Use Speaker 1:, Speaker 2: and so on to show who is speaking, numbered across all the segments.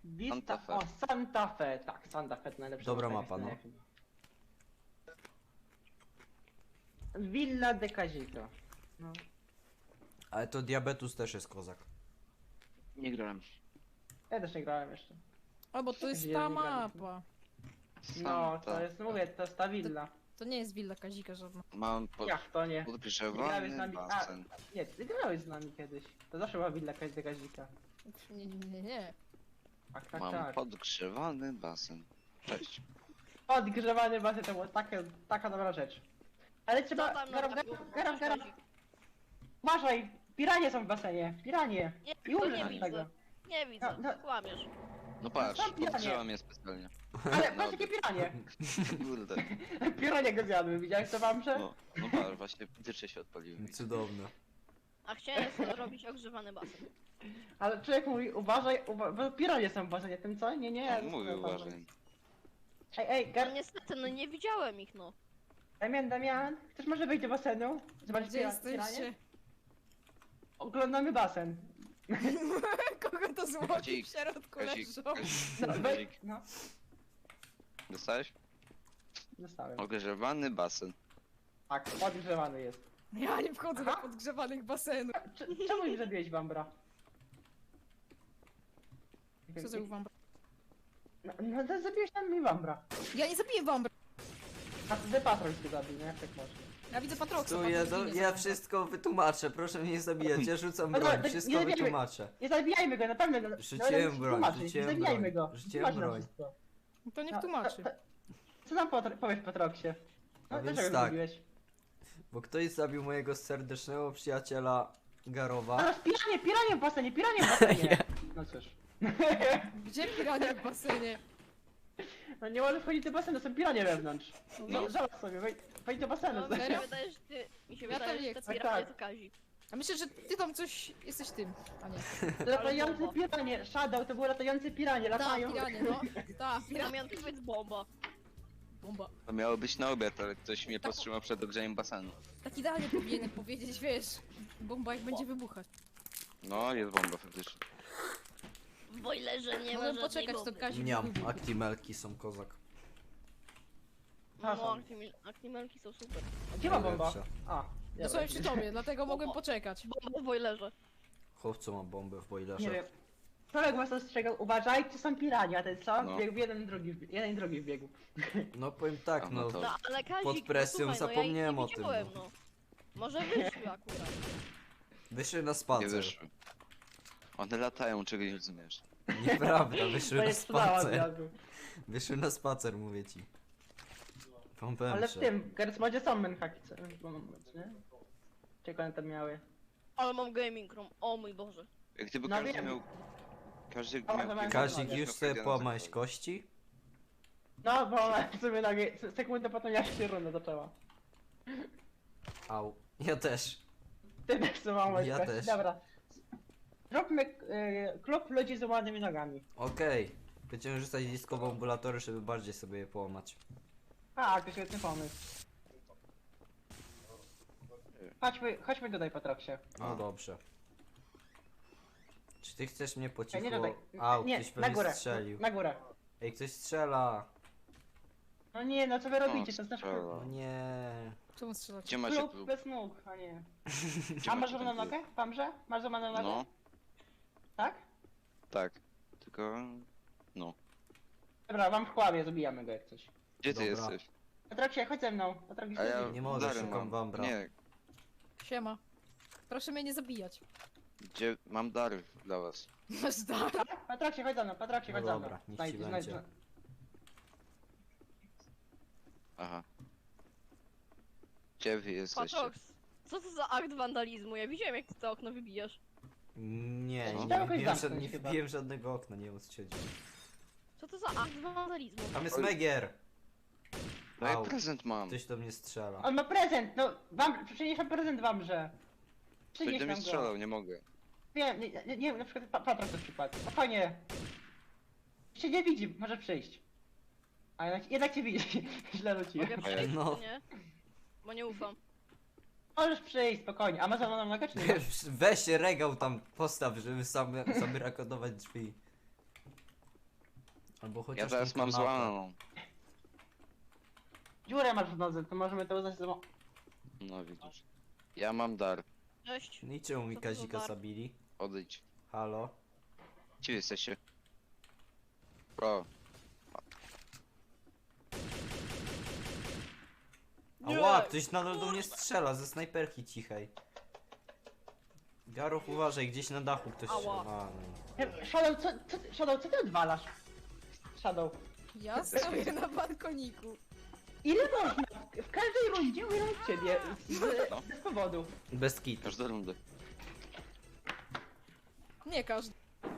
Speaker 1: Vista,
Speaker 2: Santa Fe.
Speaker 1: o Santa Fe, tak, Santa Fe to najlepsza
Speaker 3: Dobra
Speaker 1: mapa
Speaker 3: mapa,
Speaker 1: jest chyba. Villa de Casito. No.
Speaker 3: Ale to Diabetus też jest kozak.
Speaker 2: Nie grałem.
Speaker 1: Ja też nie grałem jeszcze.
Speaker 4: A bo to jest
Speaker 1: Gdzie
Speaker 4: ta
Speaker 1: nie graliśmy?
Speaker 4: mapa.
Speaker 1: No,
Speaker 2: Santa.
Speaker 1: to jest, mówię, to jest ta willa.
Speaker 4: To nie jest willa Kazika żadna.
Speaker 2: Mam
Speaker 1: Jak to nie? Grałeś z
Speaker 2: podgrzewany
Speaker 1: nami-
Speaker 2: basen.
Speaker 1: Nie, ty grałeś z nami kiedyś. To zawsze była willa de Casita.
Speaker 4: Nie.
Speaker 1: Tak, tak,
Speaker 2: Mam
Speaker 1: tak.
Speaker 2: podgrzewany basen. Cześć.
Speaker 1: Odgrzewanie bazy to była taka dobra rzecz. Ale
Speaker 5: Co
Speaker 1: trzeba...
Speaker 5: tam
Speaker 1: Garam. Uważaj! Piranie są w basenie! Piranie!
Speaker 5: Nie,
Speaker 1: I
Speaker 5: to
Speaker 1: umrzesz
Speaker 5: nie
Speaker 1: od
Speaker 5: widzę.
Speaker 1: tego.
Speaker 5: Nie widzę,
Speaker 1: No,
Speaker 5: kłamiesz.
Speaker 2: No patrz,
Speaker 1: tam piranie.
Speaker 2: podgrzewam je specjalnie.
Speaker 1: Ale patrz jakie piranie!
Speaker 2: Kurde.
Speaker 1: Piranie go zjadły, widziałeś to wam, że?
Speaker 2: No patrz, właśnie dycze się odpaliły.
Speaker 3: Cudowne.
Speaker 5: A chciałem sobie zrobić ogrzewany basen.
Speaker 1: Ale człowiek mówi, uważaj, bo piranie są w basenie, tym co? Nie.
Speaker 2: No, mówię, uważaj.
Speaker 1: Ej,
Speaker 5: No niestety, no nie widziałem ich, no.
Speaker 1: Damian, chcesz może wejść do basenu? Zobaczyć
Speaker 4: Gdzie
Speaker 1: piranie?
Speaker 4: jesteście?
Speaker 1: Oglądamy basen.
Speaker 4: Kogo to złoci
Speaker 2: Kazik,
Speaker 4: w środku
Speaker 2: Kazik,
Speaker 4: leżą?
Speaker 1: No,
Speaker 2: Kazik.
Speaker 1: wejdź. No,
Speaker 2: Dostałeś?
Speaker 1: dostałem.
Speaker 2: Ogrzewany basen.
Speaker 1: Tak, podgrzewany jest.
Speaker 4: Ja nie wchodzę do
Speaker 1: Aha.
Speaker 4: podgrzewanych basenów.
Speaker 1: Czemu nie zabiłeś Bambra?
Speaker 4: Co za wambra?
Speaker 1: No to zabiłeś tam mi Bambra.
Speaker 4: Ja nie zabiję wambra.
Speaker 1: A ty patrol cię zabił, nie? Jak tak można?
Speaker 4: Ja widzę Patroxa.
Speaker 3: Tu
Speaker 4: Patrox ginie
Speaker 3: ja
Speaker 4: za
Speaker 3: wszystko wytłumaczę, proszę mnie nie zabijać, ja rzucam
Speaker 1: Dobra,
Speaker 3: broń,
Speaker 1: to
Speaker 3: wszystko
Speaker 1: nie zabijamy.
Speaker 3: wytłumaczę.
Speaker 1: Nie zabijajmy go, na pewno.
Speaker 3: Rzuciłem broń,
Speaker 1: Nie
Speaker 3: rzuciłem
Speaker 1: zabijajmy
Speaker 3: broń,
Speaker 1: go.
Speaker 3: rzuciłem
Speaker 1: Tłumacz nam
Speaker 3: broń.
Speaker 1: wszystko.
Speaker 4: wambra. To niech
Speaker 1: No,
Speaker 4: tłumaczy.
Speaker 1: Co nam powiesz Patroxie?
Speaker 3: A
Speaker 1: No
Speaker 3: więc
Speaker 1: dlaczego
Speaker 3: tak.
Speaker 1: go zabiłeś?
Speaker 3: Bo ktoś zabił mojego serdecznego przyjaciela Garowa.
Speaker 1: Teraz piranie w basenie, piranie w basenie! No cóż.
Speaker 4: Gdzie pirania w basenie?
Speaker 1: No nie możesz wchodzić do basenu, są piranie wewnątrz.
Speaker 4: No,
Speaker 1: No zobacz sobie, wejdź do basenu.
Speaker 5: No, mi się
Speaker 4: serio?
Speaker 5: wydaje, że ty... Mi się
Speaker 4: Ja tam
Speaker 5: wydaje,
Speaker 4: nie
Speaker 5: że te
Speaker 4: chcę.
Speaker 5: piranie
Speaker 1: Tak.
Speaker 5: to Kazik.
Speaker 4: A myślę, że ty tam coś jesteś tym, a nie.
Speaker 1: Latające piranie, Shadow, to było latające piranie,
Speaker 4: Ta,
Speaker 1: latają.
Speaker 4: piranie, no. Ta, piranie.
Speaker 5: Damian, powiedz bomba.
Speaker 4: Bomba.
Speaker 2: To miało być na obiad, ale ktoś mnie powstrzymał przed ogrzejem basenu.
Speaker 4: Tak idealnie powinienem powiedzieć, wiesz. Bomba jak będzie wybuchać.
Speaker 2: No, jest bomba faktycznie.
Speaker 5: W boilerze nie ma
Speaker 4: Mogę
Speaker 5: żadnej
Speaker 4: poczekać, to
Speaker 5: bomby.
Speaker 4: Kazik
Speaker 3: Mniam,
Speaker 4: wybuchł.
Speaker 3: aktimelki są kozak.
Speaker 5: No, aktimelki są super.
Speaker 1: Gdzie ma bomba?
Speaker 3: Lepsze.
Speaker 1: A,
Speaker 4: No sobie przy tobie, dlatego mogłem poczekać.
Speaker 5: Bomba w boilerze.
Speaker 3: Chłopco ma bombę w boilerze.
Speaker 1: Nie wiem. Człowiek was ostrzegał, uważajcie, są piranie, a ten co?
Speaker 2: No.
Speaker 1: Biegł jeden i drugi wbiegł.
Speaker 3: No powiem tak,
Speaker 2: A, no
Speaker 3: no.
Speaker 2: to-
Speaker 5: No, ale Kazik,
Speaker 3: Pod presją
Speaker 5: no, słuchaj,
Speaker 3: zapomniałem
Speaker 5: no,
Speaker 3: o
Speaker 5: ja ich
Speaker 3: tym,
Speaker 5: nie widziałem,
Speaker 3: no.
Speaker 5: no. Może wyszły akurat.
Speaker 3: Wyszły na
Speaker 2: Nie
Speaker 3: spacer.
Speaker 2: wyszły. One latają, czego nie rozumiesz.
Speaker 3: Nieprawda, wyszły
Speaker 1: To
Speaker 3: na
Speaker 1: jest cudała
Speaker 3: spacer.
Speaker 1: zjadł.
Speaker 3: Wyszły na spacer, mówię ci. Pompem
Speaker 1: Ale w tym, Gersmodzie są menhaki, nie? Czego one tam miały?
Speaker 5: Ale mam gaming room, o mój Boże.
Speaker 2: Jak gdyby
Speaker 1: No
Speaker 2: każdy
Speaker 1: wiem.
Speaker 2: miał... Każdy
Speaker 1: O,
Speaker 2: miał...
Speaker 1: to mam-
Speaker 3: Kazik,
Speaker 1: Ja
Speaker 3: już sobie połamałeś kości?
Speaker 1: No, bo ona sobie na sekundę potem jak się runda zaczęła.
Speaker 3: Au. Ja też.
Speaker 1: Ty też złamałeś
Speaker 3: Ja
Speaker 1: kości.
Speaker 3: też.
Speaker 1: Dobra. Zróbmy klub ludzi z łamanymi nogami.
Speaker 3: Okej. Będziemy rzucać diskowe ambulatory, żeby bardziej sobie je połamać.
Speaker 1: A, to świetny pomysł. Chodźmy tutaj, Patroksie.
Speaker 3: No dobrze. Czy ty chcesz mnie po
Speaker 1: Nie, nie
Speaker 3: cichu?
Speaker 1: tutaj.
Speaker 3: Au,
Speaker 1: Nie,
Speaker 3: ktoś
Speaker 1: na
Speaker 3: pewnie
Speaker 1: górę.
Speaker 3: strzelił.
Speaker 1: Na górę.
Speaker 3: Ej, ktoś strzela.
Speaker 1: No nie, no co wy robicie? To jest nasz klub.
Speaker 3: No
Speaker 2: strzela.
Speaker 3: nie.
Speaker 4: Czemu strzelacie?
Speaker 2: Gdzie macie
Speaker 1: Klub
Speaker 2: klub?
Speaker 1: bez nóg, a nie.
Speaker 2: Gdzie
Speaker 1: A masz
Speaker 2: macie
Speaker 1: złamaną
Speaker 2: ten klub?
Speaker 1: nogę? Pamrze? Masz złamaną nogę?
Speaker 2: No,
Speaker 1: Tak?
Speaker 2: tak. Tylko... No.
Speaker 1: Dobra, mam w chłabie, zabijamy go jak coś.
Speaker 2: Gdzie ty
Speaker 3: Dobra.
Speaker 2: jesteś?
Speaker 1: Patroksie, chodź ze mną. Patroksie,
Speaker 2: A ja
Speaker 3: Nie mogę,
Speaker 2: dary
Speaker 3: szukam
Speaker 2: mam.
Speaker 3: wambra.
Speaker 2: Nie,
Speaker 4: Siema. Proszę mnie nie zabijać.
Speaker 2: gdzie... Mam dary dla was.
Speaker 4: Masz dar.
Speaker 1: Patroksie, chodź za mną, Patroksie,
Speaker 3: No
Speaker 1: chodź za mną.
Speaker 3: dobra, niech ci będzie.
Speaker 2: Aha. Gdzie wy jesteście?
Speaker 5: Patrox, co to za akt wandalizmu? Ja widziałem jak ty to okno wybijasz.
Speaker 3: Nie,
Speaker 2: No.
Speaker 3: nie
Speaker 1: Trzeba
Speaker 3: wbiłem,
Speaker 1: jakoś
Speaker 3: żad,
Speaker 1: zamknąć
Speaker 3: nie
Speaker 1: chyba.
Speaker 3: wbiłem żadnego okna, nie wiem o co chodzi.
Speaker 5: Co to za akt wandalizmu?
Speaker 3: Tam jest
Speaker 2: Oj.
Speaker 3: Megier!
Speaker 2: No ja
Speaker 3: Au.
Speaker 2: prezent mam.
Speaker 3: Ktoś do mnie strzela.
Speaker 1: On ma prezent, no wam, przynieś nam prezent wamrze.
Speaker 2: Ktoś
Speaker 1: Przynieś
Speaker 2: do mnie
Speaker 1: nam go.
Speaker 2: strzelał, nie mogę.
Speaker 1: Wiem, nie, na przykład Patrok to przykład. Spokojnie. Się nie widzi, może przyjść. A jednak cię widzi. Źle rzuciłem.
Speaker 5: Mogę przejść,
Speaker 3: No.
Speaker 5: czy nie? Bo nie ufam.
Speaker 1: Możesz przyjść, spokojnie. A ma złamaną nogę czy nie?
Speaker 3: Weź regał tam postaw, żeby sam rakodować drzwi. Albo chociaż
Speaker 2: Ja teraz
Speaker 3: tą
Speaker 2: mam
Speaker 3: kanapę.
Speaker 2: złamaną.
Speaker 1: Dziurę masz w nodze, to możemy to uznać za...
Speaker 2: No widzisz. Ja mam dar.
Speaker 5: Cześć.
Speaker 3: No i czemu mi
Speaker 5: Co to za
Speaker 3: Kazika
Speaker 5: dar?
Speaker 3: zabili?
Speaker 2: Odejdź.
Speaker 3: Halo?
Speaker 2: Gdzie jesteście? O,
Speaker 3: Ała, ktoś nadal do mnie strzela ze snajperki cichej. Garof, uważaj, gdzieś na dachu ktoś
Speaker 5: Ała.
Speaker 3: strzela. A, no.
Speaker 1: Shadow, co ty odwalasz? Shadow.
Speaker 4: Ja stoję na balkoniku.
Speaker 1: Ile można? W każdej rundzie umieram od ciebie.
Speaker 2: No.
Speaker 1: Bez powodu.
Speaker 3: Bez kitu.
Speaker 2: każda runda.
Speaker 4: Nie każdy.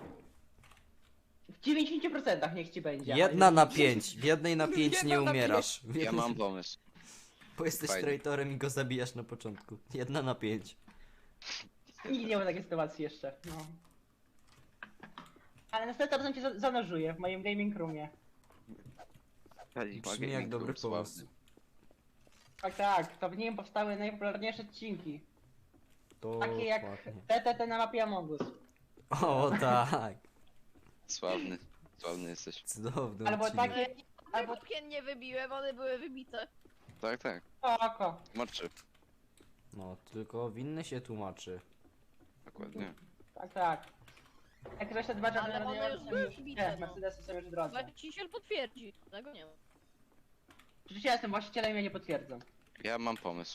Speaker 1: W 90% niech ci będzie.
Speaker 3: Jedna na 5. W jednej na 5
Speaker 4: Jedna
Speaker 3: nie
Speaker 4: na
Speaker 3: umierasz.
Speaker 2: Ja mam pomysł.
Speaker 3: Bo jesteś
Speaker 2: Fajnie.
Speaker 3: traitorem i go zabijasz na początku. 1 na 5.
Speaker 1: Nigdy nie było takiej sytuacji jeszcze. No. Ale następnym razem cię zanurzuję w moim gaming roomie.
Speaker 3: Brzmi jak dobry pomysł.
Speaker 1: Tak, to w nim powstały najpopularniejsze odcinki. Takie jak
Speaker 3: Dokładnie.
Speaker 1: TTT na mapie Among Us.
Speaker 3: O tak.
Speaker 2: Sławny. Sławny jesteś.
Speaker 3: Cudowny
Speaker 1: Albo
Speaker 3: odcinek.
Speaker 1: takie...
Speaker 5: Albo
Speaker 1: Albo...
Speaker 5: okien nie wybiłem, one były wybite.
Speaker 2: Tak, tak.
Speaker 1: Oko.
Speaker 2: Moczy.
Speaker 3: No, tylko winny się tłumaczy.
Speaker 2: Dokładnie.
Speaker 1: Tak. Jak ktoś to dbacza,
Speaker 5: Ale one już były wbite, no.
Speaker 1: Mercedesy są już w drodze.
Speaker 5: Właściciel potwierdzi. Tego nie ma.
Speaker 1: Oczywiście ja jestem właścicielem, ja nie potwierdzam.
Speaker 2: Ja mam pomysł.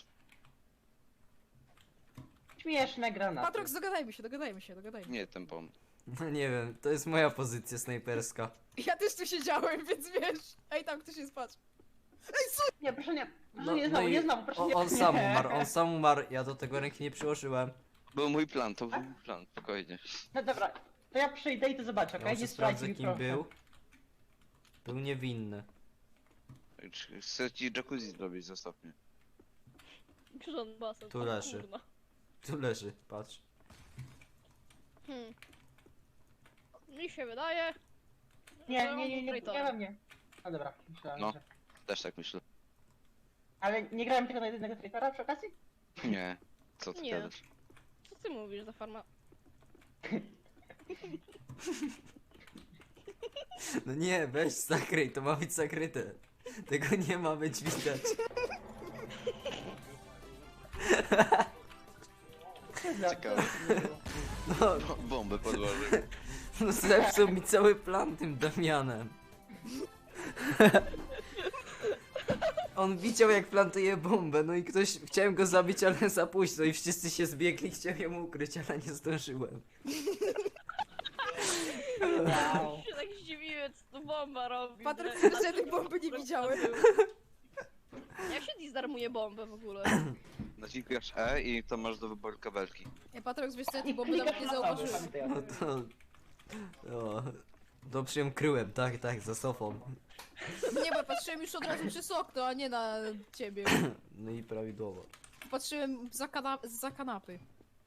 Speaker 1: Śmieszne granaty.
Speaker 4: Patrox, dogadajmy się, dogadajmy się, dogadajmy.
Speaker 2: Nie ten pomysł.
Speaker 3: No nie wiem, to jest moja pozycja snajperska.
Speaker 4: Ja też tu siedziałem, więc wiesz. Ej, tam ktoś jest, patrz.
Speaker 1: Nie, proszę nie. Proszę
Speaker 3: No,
Speaker 1: nie znowu,
Speaker 3: no i
Speaker 1: nie znowu, proszę
Speaker 3: on,
Speaker 1: nie.
Speaker 3: on sam umarł, on sam umarł, ja do tego ręki nie przyłożyłem.
Speaker 2: Był mój plan, to był mój plan, spokojnie.
Speaker 1: No dobra, to ja przyjdę i to zobaczę,
Speaker 3: Ja
Speaker 1: okej?
Speaker 3: może
Speaker 1: Nie
Speaker 3: sprawdzę
Speaker 1: sprawdź mi,
Speaker 3: kim
Speaker 1: proszę.
Speaker 3: był. Był niewinny.
Speaker 2: Chcę ci jacuzzi zrobić, zostaw mnie.
Speaker 5: Grząd basen.
Speaker 3: Tu
Speaker 5: o
Speaker 3: leży.
Speaker 5: kurna.
Speaker 3: Tu leży, patrz.
Speaker 5: Mi się wydaje.
Speaker 1: Nie,
Speaker 5: że
Speaker 1: nie,
Speaker 5: on
Speaker 1: nie,
Speaker 5: był
Speaker 1: nie,
Speaker 5: traitorem.
Speaker 1: nie we mnie. No dobra, myślałem,
Speaker 2: No.
Speaker 1: że...
Speaker 2: Też tak myślę.
Speaker 1: Ale nie grałem tylko na jednego traitora przy okazji?
Speaker 2: Nie. Co ty
Speaker 5: Nie.
Speaker 2: gadasz?
Speaker 5: Co ty mówisz za farma?
Speaker 3: No nie, weź zakryj, to ma być zakryte. Tego nie ma być widać.
Speaker 2: Ciekawe.
Speaker 3: No,
Speaker 2: Bombę podłożył.
Speaker 3: no zepsuł mi cały plan tym Damianem. On widział jak plantuje bombę, no i ktoś... Chciałem go zabić, ale za późno i wszyscy się zbiegli, chciałem ją ukryć, ale nie zdążyłem.
Speaker 1: Wow.
Speaker 5: się tak zdziwiłem, co tu bomba robi.
Speaker 4: Patrox,
Speaker 5: że-
Speaker 4: że żadnej bomby nie widziałem.
Speaker 5: Jak się disarmuje bombę w ogóle?
Speaker 2: Naciskasz E i to masz do wyboru kabelki.
Speaker 4: Ej, Patrox, wiesz co, ja
Speaker 1: I
Speaker 4: tej bomby nawet nie
Speaker 1: klikasz na to,
Speaker 4: zauważyłem.
Speaker 1: pamiętaj o
Speaker 3: No
Speaker 1: tym.
Speaker 3: to... O, dobrze ją kryłem, tak, tak, za sofą.
Speaker 4: Nie, bo patrzyłem już od razu przez okno, a nie na ciebie.
Speaker 3: No i prawidłowo.
Speaker 4: Patrzyłem za kanapy.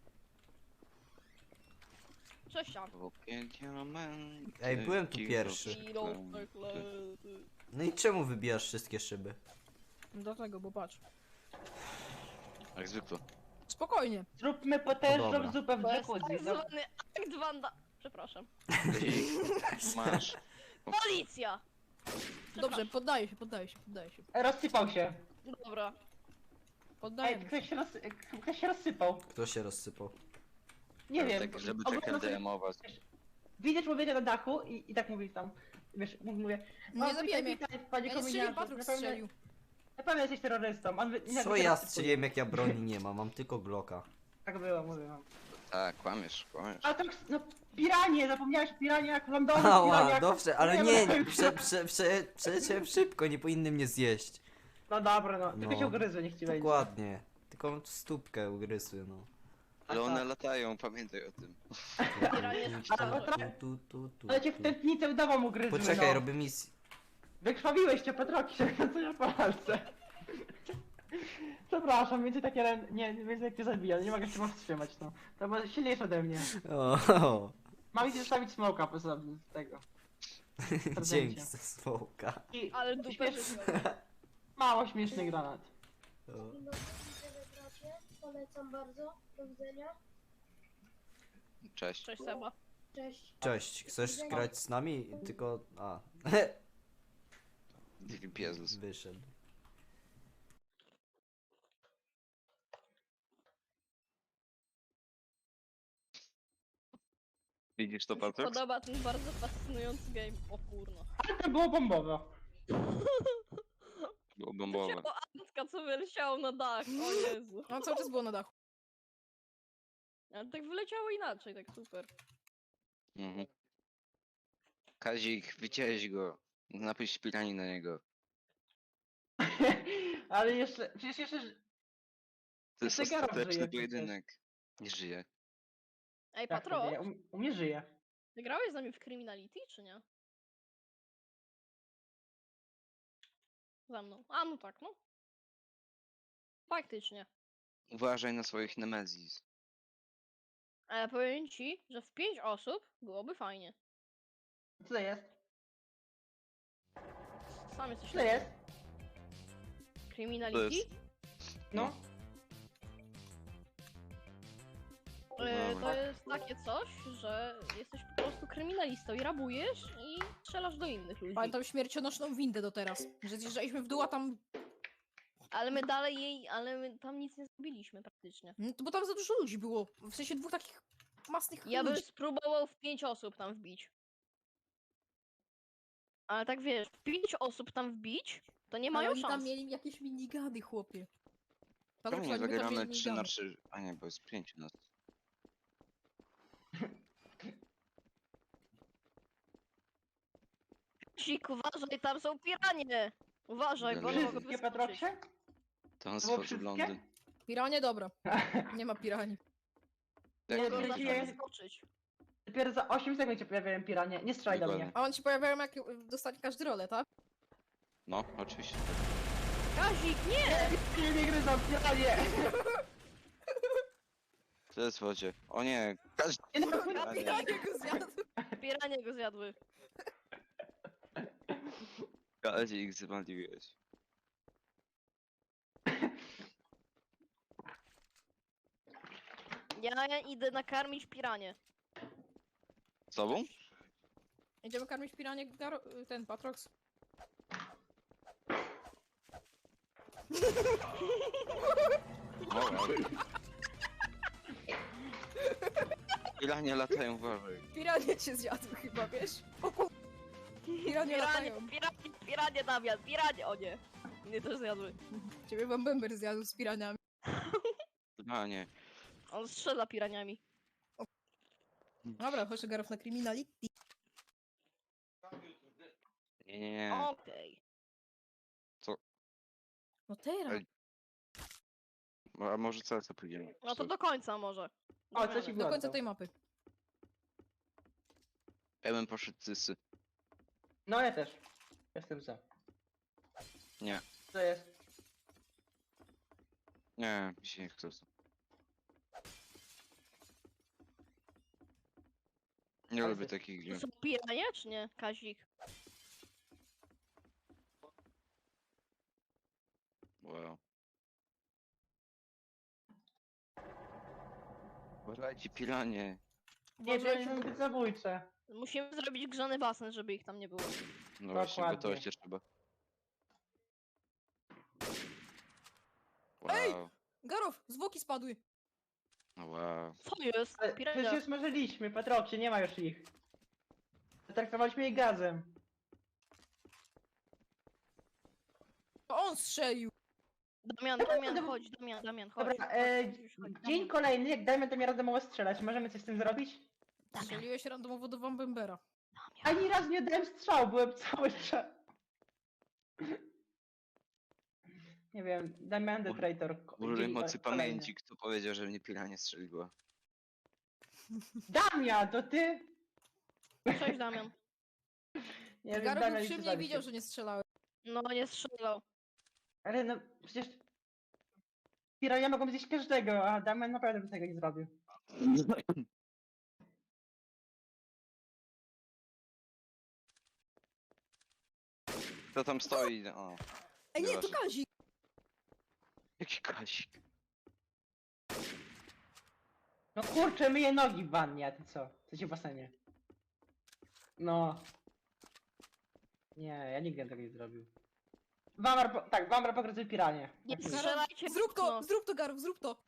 Speaker 5: Cześć, Jan.
Speaker 3: Ej, byłem tu pierwszy. No i czemu wybijasz wszystkie szyby?
Speaker 4: Dlatego, bo patrz.
Speaker 2: Jak zwykle.
Speaker 4: Spokojnie.
Speaker 1: Zróbmy
Speaker 3: Dobra.
Speaker 1: potężną zupę w
Speaker 5: To jest
Speaker 1: jacuzzi.
Speaker 5: tak zwany akt wanda... Przepraszam.
Speaker 2: Masz.
Speaker 5: Policja!
Speaker 4: Dobrze, poddaję się, poddaję się, poddaję się.
Speaker 1: Rozsypał się.
Speaker 5: Dobra.
Speaker 4: Poddajemy się.
Speaker 1: Ktoś się rozsypał.
Speaker 3: Kto się rozsypał?
Speaker 1: Nie wiem.
Speaker 2: Tak, żeby
Speaker 1: Oglądam
Speaker 2: tak
Speaker 1: sobie-
Speaker 2: LDM-ować.
Speaker 1: Widzę człowieka na dachu i tak mówię tam. Wiesz, mówię.
Speaker 4: Nie zabijaj mnie.
Speaker 1: witaj, panie
Speaker 4: Ja nie strzeliłem,
Speaker 1: kominiarzu.
Speaker 4: Patrox strzelił.
Speaker 1: Na pewno jesteś terrorystą. On
Speaker 3: Co ja strzeliłem jak ja broni nie mam, mam tylko Glocka.
Speaker 1: Tak było, mówię wam.
Speaker 2: Tak, kłamiesz, kłamiesz.
Speaker 1: A to, no, piranie, zapomniałeś o piraniach, Londonie,
Speaker 3: Ała,
Speaker 1: piraniach.
Speaker 3: dobrze, ale
Speaker 1: Nie,
Speaker 3: nie,
Speaker 1: no.
Speaker 3: przeleciałem szybko, nie powinny mnie zjeść.
Speaker 1: No dobra, no. Tylko
Speaker 3: No.
Speaker 1: się ugryzły, niech ci wejdzie.
Speaker 3: Dokładnie. Tylko stópkę ugryzły, no.
Speaker 2: Ale
Speaker 1: A
Speaker 2: one
Speaker 1: tak.
Speaker 2: latają, pamiętaj o tym.
Speaker 1: Ale cię w tętnicę udawam ugryzły,
Speaker 3: Poczekaj,
Speaker 1: no.
Speaker 3: robię misję.
Speaker 1: Wykrwawiłeś cię, Petroki, co ja palce. Przepraszam, więcej takie więcej jak cię zabija, nie mogę się powstrzymać, no. To było silniejsze ode mnie.
Speaker 3: O,
Speaker 1: Mam ci zostawić smoka poza tego.
Speaker 3: dzięki za smoka.
Speaker 1: I
Speaker 5: Ale dupę
Speaker 1: śmieszny,
Speaker 5: życiową.
Speaker 1: mało śmieszny granat.
Speaker 3: O.
Speaker 6: Dzień dobry, widzowie bracie. Polecam bardzo. Do widzenia.
Speaker 2: Cześć.
Speaker 5: Cześć Seba.
Speaker 6: Cześć.
Speaker 3: Cześć, chcesz grać z nami? Tylko... a.
Speaker 2: Jezus.
Speaker 3: Wyszedł.
Speaker 2: Widzisz to,
Speaker 5: Mi się
Speaker 2: Patryk?
Speaker 5: podoba ten bardzo fascynujący game. O kurno.
Speaker 1: Ale to było bombowe.
Speaker 2: Było
Speaker 5: To
Speaker 2: bombowe.
Speaker 5: się o Antka, co wyleciało na dach. O Jezu.
Speaker 4: No cały czas było na dachu.
Speaker 5: Ale tak wyleciało inaczej, tak super.
Speaker 2: Mhm. Kazik, widziałeś go. Napisz pirani na niego.
Speaker 1: Ale jeszcze, przecież jeszcze...
Speaker 2: To jest
Speaker 1: Jeszcze Gareth żyje
Speaker 2: ostateczny
Speaker 1: przecież.
Speaker 2: pojedynek. Nie żyje.
Speaker 5: Ej,
Speaker 1: Jak to
Speaker 5: Patro,
Speaker 1: wie? U mnie żyje.
Speaker 5: ty grałeś z nami w Criminality, czy nie? Za mną. A, no tak, no. Faktycznie.
Speaker 2: Uważaj na swoich nemezis.
Speaker 5: Ale powiem ci, że w 5 osób byłoby fajnie.
Speaker 1: Co to jest?
Speaker 5: Sam jesteś
Speaker 1: Co to jest?
Speaker 5: Criminality?
Speaker 1: No.
Speaker 5: To jest takie coś, że jesteś po prostu kryminalistą i rabujesz i strzelasz do innych ludzi.
Speaker 4: Pamiętam śmiercionośną windę do teraz. Że zjeżdżaliśmy w dół, a tam...
Speaker 5: Ale my tam nic nie zrobiliśmy praktycznie.
Speaker 4: No, to bo tam za dużo ludzi było. W sensie dwóch takich masnych
Speaker 5: Ja bym
Speaker 4: ludzi.
Speaker 5: spróbował w 5 osób tam wbić. Ale tak wiesz, w 5 osób tam wbić, to nie
Speaker 4: Ale
Speaker 5: mają
Speaker 4: oni tam
Speaker 5: szans.
Speaker 4: mieli jakieś minigany, chłopie.
Speaker 2: Czemu
Speaker 4: Patryk,
Speaker 2: nie
Speaker 4: oni by tam
Speaker 2: zagramy
Speaker 4: mieli
Speaker 2: 3 na
Speaker 4: minigany.
Speaker 2: 3? A nie, bo jest 5 nas.
Speaker 5: Sik, uważaj, tam są piranie! Uważaj, bo one mogą
Speaker 1: Wszystkie
Speaker 5: wyskoczyć.
Speaker 1: Patroksie?
Speaker 2: To on
Speaker 1: To było
Speaker 2: stworzył
Speaker 1: wszystkie?
Speaker 2: Londyn.
Speaker 4: Piranie, dobra. Nie ma pirani.
Speaker 1: Nie,
Speaker 2: Tak,
Speaker 5: Mogą
Speaker 1: nie,
Speaker 5: zawsze
Speaker 1: nie.
Speaker 5: wyskoczyć.
Speaker 1: Dopiero za 8 sekund się pojawiają piranie. Nie strzelaj do mnie.
Speaker 2: Dokładnie.
Speaker 4: A on ci pojawiają jak dostanie każdy rolę, tak?
Speaker 2: No, oczywiście.
Speaker 5: Kazik, nie!
Speaker 1: Nie gryzą, piranie!
Speaker 2: To jest w wodzie. O nie, Kazik.
Speaker 1: Nie, no,
Speaker 2: A nie.
Speaker 4: Piranie go zjadł.
Speaker 5: Piranie go zjadły.
Speaker 2: Kazik, zwaliłeś.
Speaker 5: Ja idę nakarmić piranie.
Speaker 2: Z tobą?
Speaker 4: Idziemy karmić piranie ten Patrox.
Speaker 2: O, wow. Piranie latają, uważaj.
Speaker 4: Piranie cię zjadł chyba, wiesz? O kur... Piranie
Speaker 5: Piranie,
Speaker 4: latają.
Speaker 5: piranie, Damian, piranie, o nie. Mnie też zjadły.
Speaker 4: Ciebie wam Bember zjadł z piraniami.
Speaker 2: A nie.
Speaker 5: On strzela piraniami.
Speaker 4: Dobra, chodź Garów na Criminality.
Speaker 2: Nie, nie, nie.
Speaker 5: Okej.
Speaker 4: No teraz.
Speaker 2: Ej. A może co pójdziemy?
Speaker 5: No to do końca może.
Speaker 1: O, coś ci
Speaker 4: Do
Speaker 1: było.
Speaker 4: końca tej mapy.
Speaker 2: Ja bym poszedł cysy.
Speaker 1: No ja też. Jestem za.
Speaker 2: Nie.
Speaker 1: Co to jest?
Speaker 2: Nie, mi się nie chce. Nie
Speaker 1: Ale
Speaker 2: lubię
Speaker 1: ty-
Speaker 2: takich
Speaker 5: To
Speaker 2: gier.
Speaker 5: są piranie, czy nie, Kazik?
Speaker 2: Wow. Uważajcie, piranie.
Speaker 1: Nie,
Speaker 5: Uważajcie,
Speaker 1: piranie są zbyt zabójcze.
Speaker 5: musimy zrobić grzany basen, żeby ich tam nie było.
Speaker 2: No właśnie,
Speaker 1: Dokładnie.
Speaker 2: gotować się trzeba.
Speaker 4: Ej!
Speaker 2: Wow.
Speaker 4: Garów, zwłoki spadły.
Speaker 2: No wow.
Speaker 5: Co jest?
Speaker 1: Ale
Speaker 5: Pirania.
Speaker 1: przecież smażyliśmy, Patroksie, nie ma już ich. Zatraktowaliśmy je gazem.
Speaker 4: To on strzelił.
Speaker 5: Damian, chodź, Damian, chodź.
Speaker 1: Dobra,
Speaker 5: Chodź, chodź,
Speaker 1: dzień
Speaker 5: Damian.
Speaker 1: kolejny, jak dajmy to mi randomowo strzelać, możemy coś z tym zrobić?
Speaker 4: Strzeliłeś randomowo do Wam Bembera.
Speaker 1: Ani raz nie dałem strzał, byłem cały czas. Nie wiem, Damian the Traitor.
Speaker 2: Użyj
Speaker 1: dzień
Speaker 2: mocy
Speaker 1: kolejny.
Speaker 2: pamięci, kto powiedział, że mnie piranie strzeliła.
Speaker 1: Damian, to ty?
Speaker 5: Cześć, Damian.
Speaker 1: Nie wiem,
Speaker 4: Garów
Speaker 1: Damian
Speaker 4: był
Speaker 1: już
Speaker 4: przy mnie i
Speaker 1: zabił
Speaker 4: widział,
Speaker 1: się.
Speaker 4: że nie strzelałem.
Speaker 5: No, nie strzelał.
Speaker 1: Ale no, przecież... Pirania mogą zjeść każdego, a Damian naprawdę by tego nie zrobił.
Speaker 2: Kto tam stoi? O,
Speaker 4: Ej, nie, to
Speaker 2: Nieważne.
Speaker 4: Kazik.
Speaker 2: jaki Kazik.
Speaker 1: No kurczę, myję nogi w wannie, a ty co? Co ci w basenie? No. Nie, ja nigdy bym tego nie zrobił. Wamar, tak, Wamar pokryty piranie.
Speaker 5: Nie
Speaker 1: Tak jest.
Speaker 5: strzelajcie w
Speaker 4: Zrób to,
Speaker 5: okno.
Speaker 4: zrób to, Garów, zrób to.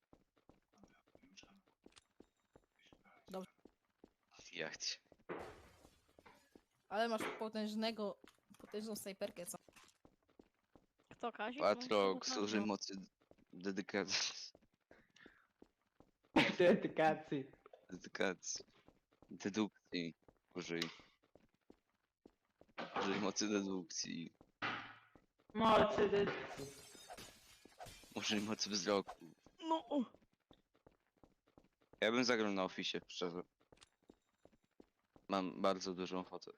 Speaker 2: Jachcie.
Speaker 4: Ale masz potężną snajperkę, co?
Speaker 5: Kto Kazik?
Speaker 2: Patrox, użyj mocy dedykacji.
Speaker 1: Dedykacji.
Speaker 2: Dedykacji. Dedukcji. Użyj. Użyj mocy dedukcji.
Speaker 1: Mocy dedukcji.
Speaker 2: Użyj mocy wzroku.
Speaker 5: No.
Speaker 2: Ja bym zagrał na Office, szczerze. Mam bardzo dużą ochotę.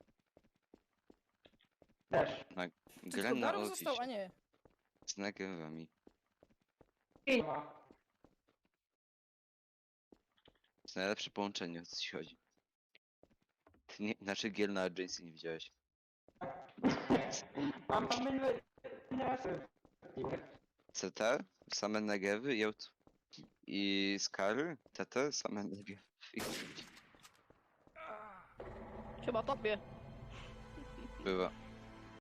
Speaker 1: Też.
Speaker 2: Na
Speaker 4: Czy
Speaker 2: grę
Speaker 4: tylko
Speaker 2: na
Speaker 4: Garów został, a
Speaker 2: Office.
Speaker 4: nie.
Speaker 2: Z nagrywami.
Speaker 1: Filma.
Speaker 2: To jest najlepsze połączenie, o co ci chodzi. Ty nie, naszych gier na Agency nie widziałeś.
Speaker 1: Mam inne masy.
Speaker 2: CT, same negewy i Skary, TT, same negewy.
Speaker 5: Chyba tobie.
Speaker 2: Bywa.